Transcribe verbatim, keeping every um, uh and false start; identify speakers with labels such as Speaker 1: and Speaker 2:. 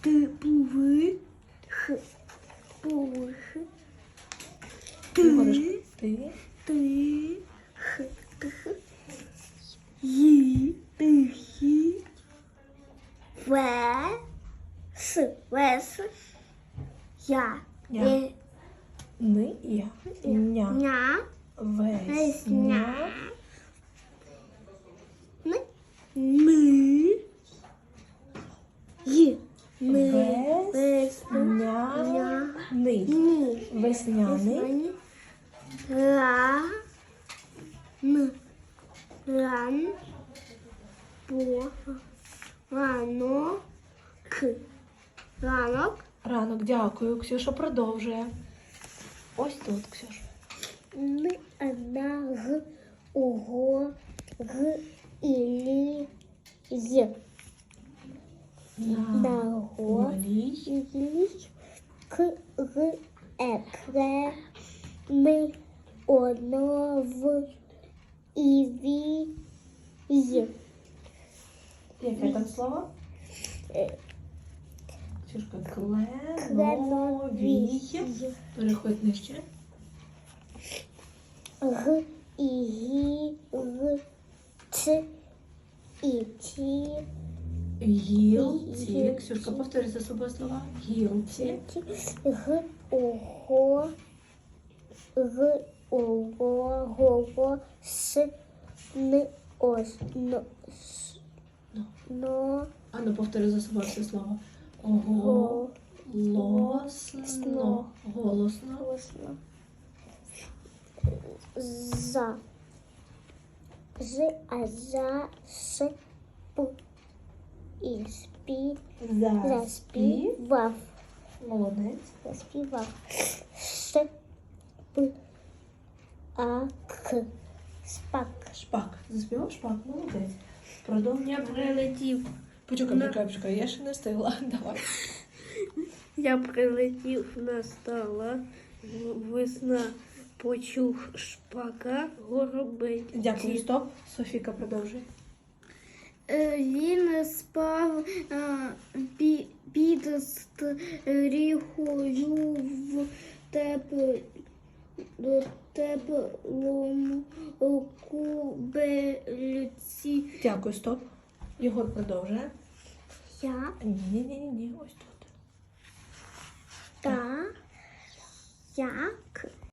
Speaker 1: Ти пуви. Х. Пух. Ти.
Speaker 2: Ти.
Speaker 1: Ти. Х. Тх. Ї. Тихі. Ве. С. Вес. Я.
Speaker 2: Я.
Speaker 1: Е.
Speaker 2: Ни. Я. Ня.
Speaker 1: Ня.
Speaker 2: Весня.
Speaker 1: Ми. Ми. Й. Ми.
Speaker 2: Весняний.
Speaker 1: Ні.
Speaker 2: Весняний.
Speaker 1: Ра. Н. Ран. По. Ранок. Ранок.
Speaker 2: Ранок, дякую. Ксюша продовжує. Ось тут, Ксюша.
Speaker 1: Ми, одна, г, ого, г, ілі, з. На го,
Speaker 2: Голій.
Speaker 1: ілі, к, г, е, кре, ми, оно, в, і, ві, й.
Speaker 2: Яке там слово?
Speaker 1: Е,
Speaker 2: Ксюшка,
Speaker 1: Кленовій.
Speaker 2: кленовій. Переходь нижче.
Speaker 1: Г, і, гі, г, ц, і, ті,
Speaker 2: Гілці. Ксюшка, повтори за собою слова. Гілці.
Speaker 1: Г, ого, г, ого, го, с, н, ос, но, с,
Speaker 2: Ну.
Speaker 1: но,
Speaker 2: А ну повтори за собою все слово.
Speaker 1: го,
Speaker 2: Голосно. Голосно.
Speaker 1: голосно. За. З, а за, с, п, і, спі, заспівав.
Speaker 2: Молодець.
Speaker 1: Заспівав. Ш, п, а, к. Спак.
Speaker 2: Шпак. Заспівав шпак. Молодець. Продовжуй.
Speaker 3: Я прилетів.
Speaker 2: Почекай, почекай, почекай. Я ще не встигла. Давай.
Speaker 3: Я прилетів, настала весна, почув шпака горобець.
Speaker 2: Дякую, стоп. Софіка продовжує.
Speaker 3: Е, Він спав е, пі- під стріхою в теп- до теплому кубельці.
Speaker 2: Дякую, стоп. Єгор продовжує.
Speaker 1: Я,
Speaker 2: Ні, ні, ні, ні, ось тут.
Speaker 1: та, як,